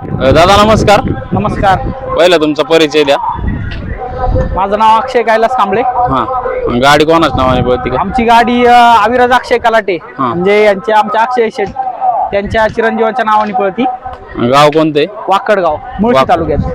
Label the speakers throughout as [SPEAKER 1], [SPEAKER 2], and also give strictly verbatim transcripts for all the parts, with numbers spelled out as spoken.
[SPEAKER 1] दादा नमस्कार.
[SPEAKER 2] नमस्कार.
[SPEAKER 1] पहिला तुमचा परिचय द्या.
[SPEAKER 2] माझं नाव अक्षय कैलास कांबळे.
[SPEAKER 1] हा, गाडी कोणाच नावाने पळते का?
[SPEAKER 2] आमची गाडी अविराज अक्षय कलाटे म्हणजे यांचे आमच्या अक्षय शेठ त्यांच्या चिरंजीवाच्या नावाने पळती.
[SPEAKER 1] गाव कोणते?
[SPEAKER 2] वाकडगाव, मुळशी तालुक्यात.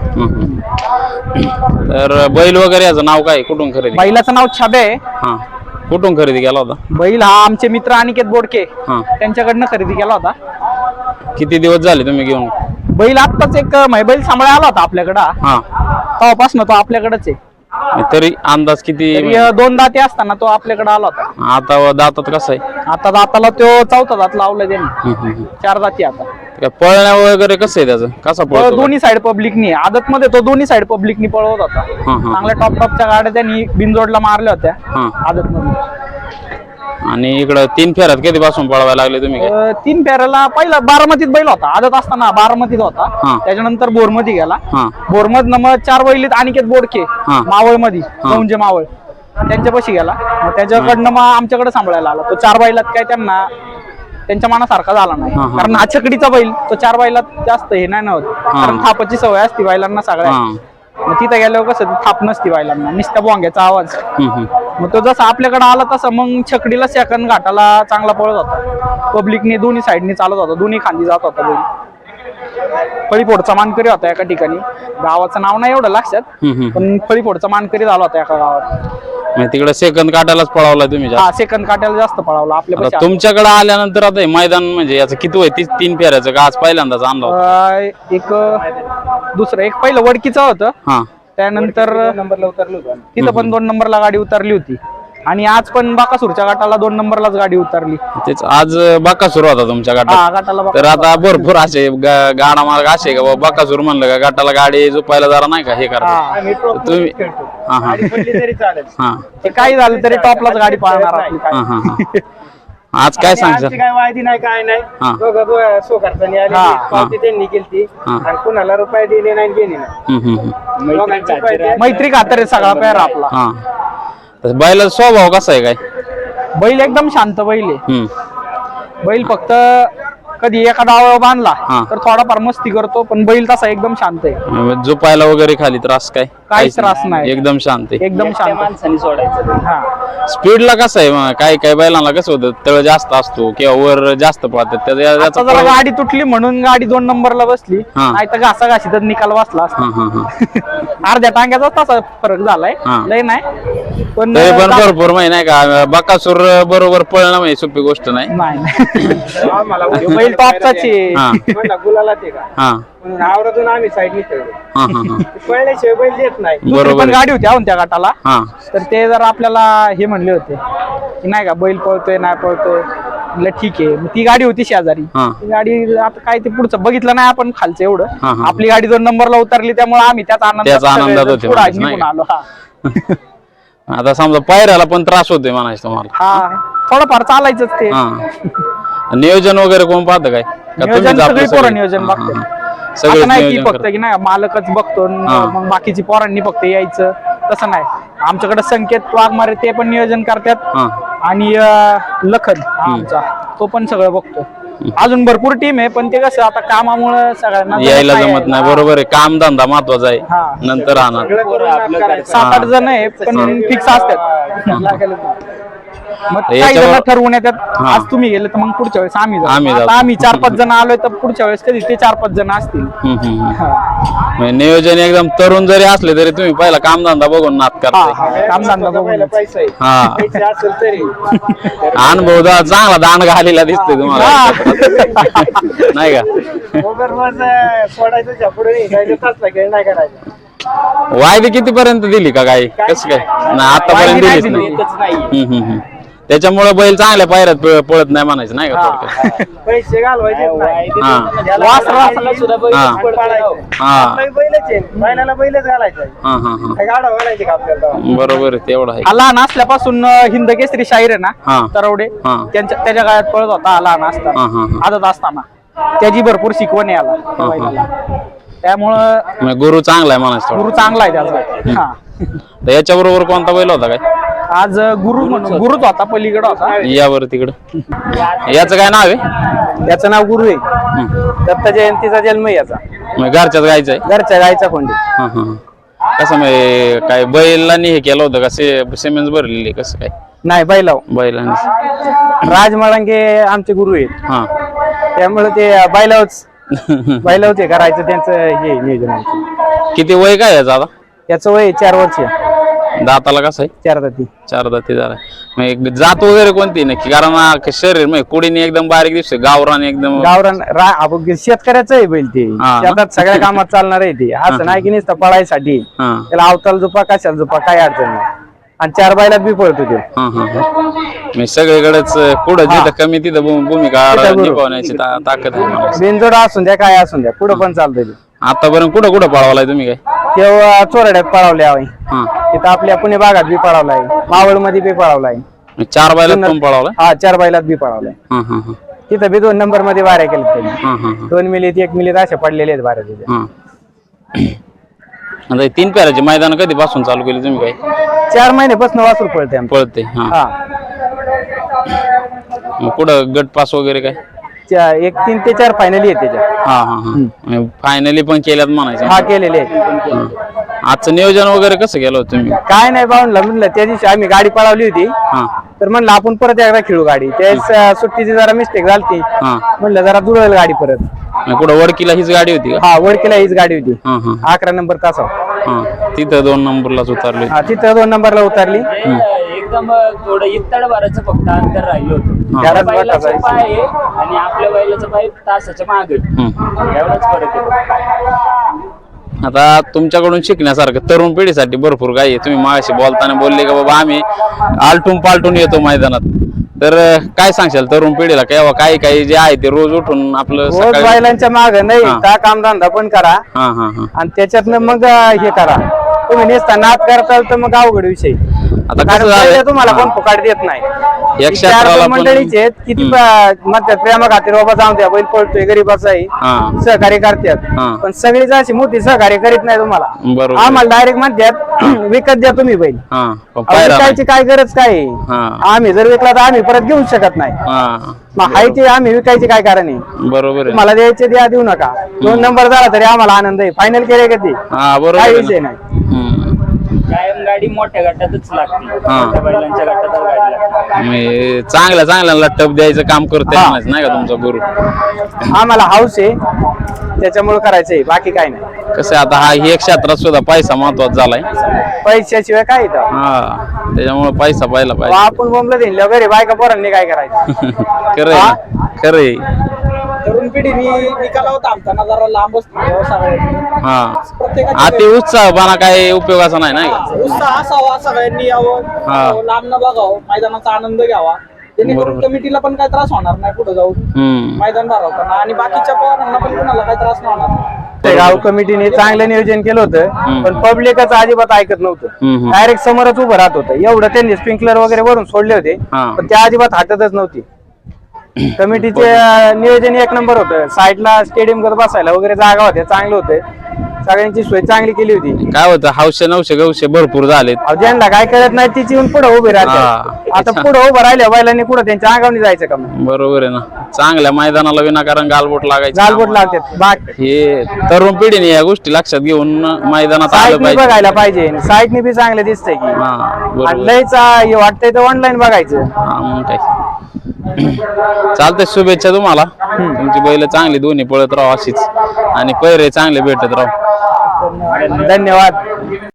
[SPEAKER 1] तर बैल वगैरे याचं नाव काय, कुठून खरेदी?
[SPEAKER 2] बैलाचं नाव छाबे आहे.
[SPEAKER 1] हा, कुठून खरेदी केला होता
[SPEAKER 2] बैल? हा आमचे मित्र अनिकेत बोडके
[SPEAKER 1] हा,
[SPEAKER 2] त्यांच्याकडनं खरेदी केला होता.
[SPEAKER 1] किती दिवस झाले तुम्ही घेऊन?
[SPEAKER 2] बैल आत्ताच एक बैल सांभाळा आला होता आपल्याकडं.
[SPEAKER 1] हा,
[SPEAKER 2] तेव्हापासून तो आपल्याकडेच आहे.
[SPEAKER 1] तरी अंदाज किती?
[SPEAKER 2] तरी दोन दाते असताना तो आपल्याकडे आला होता.
[SPEAKER 1] आता दातात कसं आहे?
[SPEAKER 2] आता दाताला तो चौथा दात लावला त्यांनी. चार दाती आता.
[SPEAKER 1] पळण्या वगैरे कसं आहे त्याचं? कसा पळतो?
[SPEAKER 2] दोन्ही साइड पब्लिकनी आदत मध्ये तो दोन्ही साइड पब्लिकनी पळवत होता. चांगल्या टॉप टॉपच्या गाड्या त्यांनी बिनजोडला मारल्या होत्या आदत मध्ये.
[SPEAKER 1] आणि इकडं तीन फेऱ्यात कधी पासून पळवायला लागले तुम्ही?
[SPEAKER 2] तीन फेऱ्याला पहिला बारामतीत बैल होता. आदत असताना बारामतीत होता. त्याच्यानंतर बोरमध्ये गेला. बोरमध मग चार बैलीत अनिकेत बोडके मावळ मध्ये गौंजे मावळ त्यांच्यापाशी गेला. मग त्याच्याकडनं मग आमच्याकडे सांभाळायला आला. तो चार बैलात काय त्यांना त्यांच्या मनासारखा झाला नाही. कारण हा छकडीचा बैल तो चार बैलात जास्त हे नाही होत. कारण थापाची सवय असते बैलांना सगळ्या. मग तिथे गेल्यावर कसं थाप नसती बैलांना, नुसत्या बोंग्याचा आवाज. मग तो जसा आपल्याकडे आला तसा मग छकडीला सेकंद घाटाला चांगला पळत होता. पब्लिकने दोन्ही साईडनी चालत होता, दोन्ही खांदी जात होता बैल. फळीफोडचा मानकरी होता एका ठिकाणी. गावाचं नाव नाही एवढं लक्षात, पण फळीफोडचा मानकरी झाला होता एका गावात.
[SPEAKER 1] तिकडे सेकंद काटायलाच पळवला तुम्ही?
[SPEAKER 2] हा, सेकंद काट्याला जास्त पळवला आपल्या.
[SPEAKER 1] तुमच्याकडे आल्यानंतर आता मैदान म्हणजे याचं किती होय? तीच तीन फेऱ्याचं का आज पहिल्यांदाच आणलं?
[SPEAKER 2] एक दुसरं एक पहिलं वडकीचं होतं.
[SPEAKER 1] हा,
[SPEAKER 2] त्यानंतर नंबरला उतरली होती तिथं पण दोन नंबरला गाडी उतरली होती. आणि आज पण बाकासूरच्या गटाला दोन नंबरलाच गाडी उतरली.
[SPEAKER 1] तेच आज बाकासूर होता तुमच्या गटात. तर आता भरपूर असे गाडा मार्ग असे का बाकासूर म्हणलं का गटाला गाडी झोपायला जरा नाही का हे करा तुम्ही?
[SPEAKER 2] काही झालं तरी टॉपलाच गाडी पाळणार.
[SPEAKER 1] आज काय सांगता?
[SPEAKER 3] काय वायदी नाही काय नाही. त्यांनी केली आणि कुणाला रुपये दिले नाही गेले नाही.
[SPEAKER 2] मैत्री खातर सगळा पेर आपला.
[SPEAKER 1] बैलाचा स्वभाव कसा आहे काय?
[SPEAKER 2] बैल एकदम शांत बैल आहे. बैल फक्त कधी एका डावावर बांधला तर थोडाफार मस्ती करतो, पण बैल तसा एकदम शांत आहे.
[SPEAKER 1] झोपायला वगैरे खाली त्रास काय?
[SPEAKER 2] काहीच त्रास नाही,
[SPEAKER 1] एकदम शांत आहे.
[SPEAKER 2] एकदम शांत.
[SPEAKER 3] माणसाने सोडायचं.
[SPEAKER 1] स्पीडला कसं आहे? काही काही बैलांना कसं होतं, तळ जास्त असतो किंवा वर जास्त पळतात.
[SPEAKER 2] जरा गाडी तुटली म्हणून गाडी दोन नंबरला बसली, नाही तर घासा घाशीतच निकाल बसला असता. अर्ध्या टांग्याचा तसा फरक झालाय, लय नाही पण
[SPEAKER 1] पण भरपूर माहिती नाही का. बकासूर बरोबर पळणं म्हणजे सोपी गोष्ट नाही.
[SPEAKER 2] बैल टॉपचाच आहे.
[SPEAKER 3] गुलाला ते का आवरातून आम्ही साईडनी ठेवलो. पळल्याशिवाय बैल देत नाही.
[SPEAKER 2] बरोबर गाडी होती आहोत त्या गटाला. तर ते जर आपल्याला हे म्हणले होते की नाही का बैल पळतोय नाही पळतोय, म्हणलं ठीक आहे. ती गाडी होती शेजारी. ती गाडी आता काय ते पुढचं बघितलं नाही आपण खालचं एवढं. आपली गाडी दोन नंबरला उतरली त्यामुळे आम्ही त्याच आनंदात निघून आलो.
[SPEAKER 1] आता समजा पायऱ्याला पण त्रास होतोय म्हणायचं तुम्हाला?
[SPEAKER 2] हा, थोडंफार चालायचंच ते.
[SPEAKER 1] नियोजन वगैरे कोण पाहतं काय?
[SPEAKER 2] सगळी पोरं नियोजन बघतो. असं नाही की फक्त की नाही मालकच बघतो मग बाकीची पोरांनी फक्त यायचं, तसं नाही. आमच्याकडे संकेत वाघमारे ते पण नियोजन करतात. आणि लखन आमचा तो पण सगळं बघतो. अजून भरपूर टीम आहे, पण ते कसं आता कामामुळे सगळ्यांना
[SPEAKER 1] यायला जमत नाही. बरोबर आहे, काम धंदा महत्वाचा आहे. नंतर राहणार
[SPEAKER 2] सात आठ जण आहे पण फिक्स असतात. मग काही जण ठरवून येतात, आज तुम्ही गेले तर मग पुढच्या वेळेस आम्ही जाऊ. आम्ही चार पाच जण आलोय तर पुढच्या वेळेस कधी ते चार पाच जण असतील.
[SPEAKER 1] नियोजन एकदम तरुण जरी असले तरी तुम्ही पहिला कामधंदा बघून नाद करता.
[SPEAKER 2] कामधंदा बघून
[SPEAKER 3] पैसा
[SPEAKER 1] हा,
[SPEAKER 3] असेल तरी
[SPEAKER 1] अनुभव चांगला दांड घालीला दिसतोय तुम्हाला नाही का?
[SPEAKER 3] सोडायचं पुढे नाही करायचं.
[SPEAKER 1] वायदी किती पर्यंत दिली का काय? कसं काय? आतापर्यंत दिलीच नाही. त्याच्यामुळे बैल चांगल्या पायऱ्यात पळत नाही म्हणायचं नाही का?
[SPEAKER 3] पैसे घालवायचे बैलच घालायचं.
[SPEAKER 1] बरोबर आहे, तेवढं आहे.
[SPEAKER 2] लहान असल्यापासून हिंद केसरी शाहीर आहे ना तरवडे, त्यांच्या त्याच्या काळात पळत होता लहान असताना, आदत असताना. त्याची भरपूर शिकवण आहे याला. त्यामुळं
[SPEAKER 1] गुरु चांगला आहे म्हणायचं.
[SPEAKER 2] गुरु चांगला आहे त्याचा.
[SPEAKER 1] याच्या बरोबर कोणता बैल होता काय?
[SPEAKER 2] आज गुरु म्हणून गुरुच होता, पलीकडे होता.
[SPEAKER 1] यावर तिकडं याचं काय नाव आहे?
[SPEAKER 2] याचं नाव गुरु आहे. दत्त जयंतीचा जन्म आहे याचा.
[SPEAKER 1] मग घरच्याच गायचं आहे?
[SPEAKER 2] घरच्या गायचा कोंडी.
[SPEAKER 1] हा हा. कसं म्हणजे काय बैलांनी हे केलं होतं का? सिमेंट भरलेली कसं काय?
[SPEAKER 2] नाही बैलाव.
[SPEAKER 1] बैलांनी.
[SPEAKER 2] राज मळंगे आमचे गुरु आहेत.
[SPEAKER 1] हा.
[SPEAKER 2] त्यामुळे ते बैलावच बैलावच हे करायचं त्यांचं हे नियोजन आहे.
[SPEAKER 1] किती वय काय याचं आता?
[SPEAKER 2] याचं वय चार वर्ष.
[SPEAKER 1] दाताला कसं आहे?
[SPEAKER 2] चार दाती.
[SPEAKER 1] चार दाती झाला. मग जात वगैरे कोणती नक्की? कारण शरीर म्हणजे कुडीने एकदम बारीक दिसते, गावरान एकदम.
[SPEAKER 2] गावरान रा- शेतकऱ्याचं आहे बैल ते.
[SPEAKER 1] हा.
[SPEAKER 2] शेतात सगळ्या कामात चालणार आहे ते. असं नाही की नुसतं पळायसाठी.
[SPEAKER 1] हा.
[SPEAKER 2] त्याला अवताल झोपा कशाला झोपा काय अडचण नाही. आणि चार बैलात बी पळतो ते.
[SPEAKER 1] हा हा हा. म्हणजे सगळीकडेच कुठं जिथं कमी तिथं भू- भूमिका निभावण्याची ता- ताकद आहे मला.
[SPEAKER 2] बिनजोड असून द्या काय असून द्या पुढं पण चालतंय ते.
[SPEAKER 1] आतापर्यंत कुठं कुठं पळवलाय तुम्ही काय?
[SPEAKER 2] तेव्हा चोरड्यात पळावले आहे.
[SPEAKER 1] हा.
[SPEAKER 2] तिथं आपल्या पुणे भागात बी पळावलाय, मावळ मध्ये बी पळावलाय.
[SPEAKER 1] चार बैलात पण पळवलाय?
[SPEAKER 2] हा चार बैलात बी पळावलाय.
[SPEAKER 1] हा हा हा.
[SPEAKER 2] तिथं बी दोन नंबर मध्ये वाऱ्या केल्या त्यांनी.
[SPEAKER 1] हा हा हा.
[SPEAKER 2] दोन मिनिट एक मिनिट असे पडलेले आहेत वाऱ्या तिथे.
[SPEAKER 1] हा. आता हे तीन पेराचे मैदान कधीपासून चालू केले तुम्ही काय?
[SPEAKER 2] चार महिन्यापासून वासरू पळते आमचं.
[SPEAKER 1] पळते. हा.
[SPEAKER 2] हा.
[SPEAKER 1] मग कुठं गट पास वगैरे काय?
[SPEAKER 2] चा- एक तीन ते चार फायनली आहे त्याच्या.
[SPEAKER 1] हा हा हा. फायनली पण केल्यात म्हणायचं.
[SPEAKER 2] हा केलेले आहेत.
[SPEAKER 1] हा. आजचं नियोजन वगैरे कसं केलं होतं तुम्ही?
[SPEAKER 2] काय नाही बावनला म्हणलं त्या दिवशी आम्ही गाडी पळवली होती.
[SPEAKER 1] हा
[SPEAKER 2] तर म्हणलं आपण परत एकदा खेळू गाडी. त्यावेळेस सुट्टीची जरा मिस्टेक झाली.
[SPEAKER 1] हा.
[SPEAKER 2] म्हणलं जरा दुरवेल गाडी परत.
[SPEAKER 1] मग कुठं वडकीला हीच गाडी होती का?
[SPEAKER 2] हा वडकीला हीच गाडी होती.
[SPEAKER 1] हा हा
[SPEAKER 2] अकरा नंबर तासा.
[SPEAKER 1] हा. तिथं दोन नंबरलाच उतरले.
[SPEAKER 2] हा तिथं दोन नंबरला उतरली.
[SPEAKER 4] एकदम थोडं इत्तड भरायचं फक्त अंतर राहिलं होतं.
[SPEAKER 2] घरात
[SPEAKER 4] त्या बैलाचा
[SPEAKER 2] बसायचं.
[SPEAKER 4] पाय आहे आणि आपल्या बैलाचा पाय तासाच्या मागे.
[SPEAKER 1] हम्म.
[SPEAKER 4] एवढाच फरक आहे.
[SPEAKER 1] आता तुमच्याकडून शिकण्यासारखं तरुण पिढीसाठी भरपूर काही आहे. तुम्ही मागाशी बोलताना बोलले का बाबा आम्ही आलटून पालटून येतो मैदानात, तर काय सांगशाल तरुण पिढीला? किंवा काही काही जे आहे ते रोज उठून आपलं
[SPEAKER 2] रोज
[SPEAKER 1] सकाळी-
[SPEAKER 2] बैलांच्या माग नाही
[SPEAKER 1] हा.
[SPEAKER 2] त्या कामधंदा पण करा
[SPEAKER 1] हा हा हा.
[SPEAKER 2] आणि त्याच्यातनं मग हे करा. तुम्ही नेसता नाद करताल तर मग अवघड विषय.
[SPEAKER 1] आता
[SPEAKER 2] कारण
[SPEAKER 1] कसं
[SPEAKER 2] पहिले
[SPEAKER 1] झालंय?
[SPEAKER 2] तुम्हाला
[SPEAKER 1] हा.
[SPEAKER 2] कोण फुकाट देत नाही.
[SPEAKER 1] या
[SPEAKER 2] ही
[SPEAKER 1] क्षेत्राला
[SPEAKER 2] चार
[SPEAKER 1] पण-
[SPEAKER 2] मंडळीचे आहेत किती म्हणतात प्रेमा खातीर बाबा जाऊ द्या बैल पळतोय गरीबाचा आहे
[SPEAKER 1] हा.
[SPEAKER 2] सहकार्य करतात.
[SPEAKER 1] हा.
[SPEAKER 2] पण सगळीच अशी मोठी सहकार्य करीत नाही तुम्हाला.
[SPEAKER 1] बरोबर.
[SPEAKER 2] आम्हाला डायरेक्ट म्हणतात विकत द्या तुम्ही बैल.
[SPEAKER 1] हा. पण
[SPEAKER 2] अहो,
[SPEAKER 1] पायरा नाही.
[SPEAKER 2] विकायची काय गरज काय आहे?
[SPEAKER 1] हा.
[SPEAKER 2] आम्ही जर विकला तर आम्ही परत घेऊ शकत नाही.
[SPEAKER 1] हा.
[SPEAKER 2] मग हाय ते आम्ही विकायचे काय कारण आहे?
[SPEAKER 1] बरोबर आहे.
[SPEAKER 2] मला द्यायचे द्या देऊ नका. दोन नंबर झाला तरी आम्हाला आनंद आहे. फायनल केले कधी
[SPEAKER 1] हा बरोबर
[SPEAKER 2] काही
[SPEAKER 1] आहे
[SPEAKER 2] विषय
[SPEAKER 1] ना.
[SPEAKER 2] नाही.
[SPEAKER 1] हम्म.
[SPEAKER 4] कायम गाडी मोठ्या गटातच लागते.
[SPEAKER 1] हा.
[SPEAKER 4] मोठ्या बैलांच्या गटातच गाडी लागते.
[SPEAKER 1] म्हणजे चांगल्या चांगल्याला टप द्यायचं काम करते
[SPEAKER 2] हा.
[SPEAKER 1] म्हणायचं नाही का तुमचा गुरु?
[SPEAKER 2] आम्हाला हाऊस आहे त्याच्यामुळे करायचंय बाकी काही नाही.
[SPEAKER 1] कसं आहे, आता हा हे क्षेत्रात सुद्धा पैसा महत्वाचा झालाय.
[SPEAKER 2] पैशाशिवाय काय येतं?
[SPEAKER 1] हा. त्याच्यामुळे पैसा पाहिला
[SPEAKER 2] अहो,
[SPEAKER 1] पाहिजे.
[SPEAKER 2] आपण बोंबलं दिलं घरी बायका पोरांनी काय करायचं?
[SPEAKER 1] खरंय ना? खरंय.
[SPEAKER 3] तरुण पिढीने निकालावर थांबताना जरा लांब असतो सगळ्यांनी.
[SPEAKER 1] हा. अति उत्साहपणा काही उपयोगाचा नाही नाही का?
[SPEAKER 3] उत्साह असावा, सगळ्यांनी यावं,
[SPEAKER 1] हा.
[SPEAKER 3] लांब न बघावं, मैदानाचा आनंद घ्यावा. जेणेकरून
[SPEAKER 1] बरोबर.
[SPEAKER 3] कमिटीला पण काही त्रास होणार नाही पुढे जाऊन
[SPEAKER 1] हम्म.
[SPEAKER 3] मैदान भरवताना आणि बाकीच्या पोरांना पण कुणाला काही त्रास नाही होणार.
[SPEAKER 2] ते गाव कमिटीने चांगलं नियोजन केलं होतं पण पब्लिकच अजिबात ऐकत नव्हतं.
[SPEAKER 1] हम्म.
[SPEAKER 2] डायरेक्ट समोरच उभं राहत होतं. एवढं त्यांनी स्प्रिंकलर वगैरे वरून सोडले होते
[SPEAKER 1] हा.
[SPEAKER 2] पण त्या अजिबात हाततच नव्हती. कमिटीचे अं, नियोजन एक नंबर होतं. साईडला स्टेडियम कडे बसायला वगैरे जागा होत्या, चांगलं होतं. सगळ्यांची सोय चांगली केली होती.
[SPEAKER 1] काय होतं, हौशे नऊशे गवशे भरपूर झालेत.
[SPEAKER 2] अहो, ज्यांना काय कळत नाही तिची येऊन पुढे उभे
[SPEAKER 1] हा.
[SPEAKER 2] राहते. आता पुढे उभं राहिल्या बैलांनी कुठं त्यांच्या अंगावनी जायचं का मग?
[SPEAKER 1] बरोबर आहे ना. चांगल्या मैदानाला विनाकारण गालबोट लागायचं.
[SPEAKER 2] गालबोट लागतात. बाकी
[SPEAKER 1] हे तरुण पिढीने या गोष्टी लक्षात घेऊन मैदानात आलं
[SPEAKER 2] साईडनी
[SPEAKER 1] पाहिजे.
[SPEAKER 2] बघायला पाहिजे. साईडनी बी चांगलं दिसतंय की
[SPEAKER 1] हा
[SPEAKER 2] आणि
[SPEAKER 1] बरोबर.
[SPEAKER 2] लयच हे वाटतंय तर ऑनलाईन बघायचं.
[SPEAKER 1] हा मग काय. चालतंय, शुभेच्छा तुम्हाला. तुमची बैल चांगली दोन्ही पळत राहू अशीच आणि पैरे चांगले भेटत राहू.
[SPEAKER 2] धन्यवाद.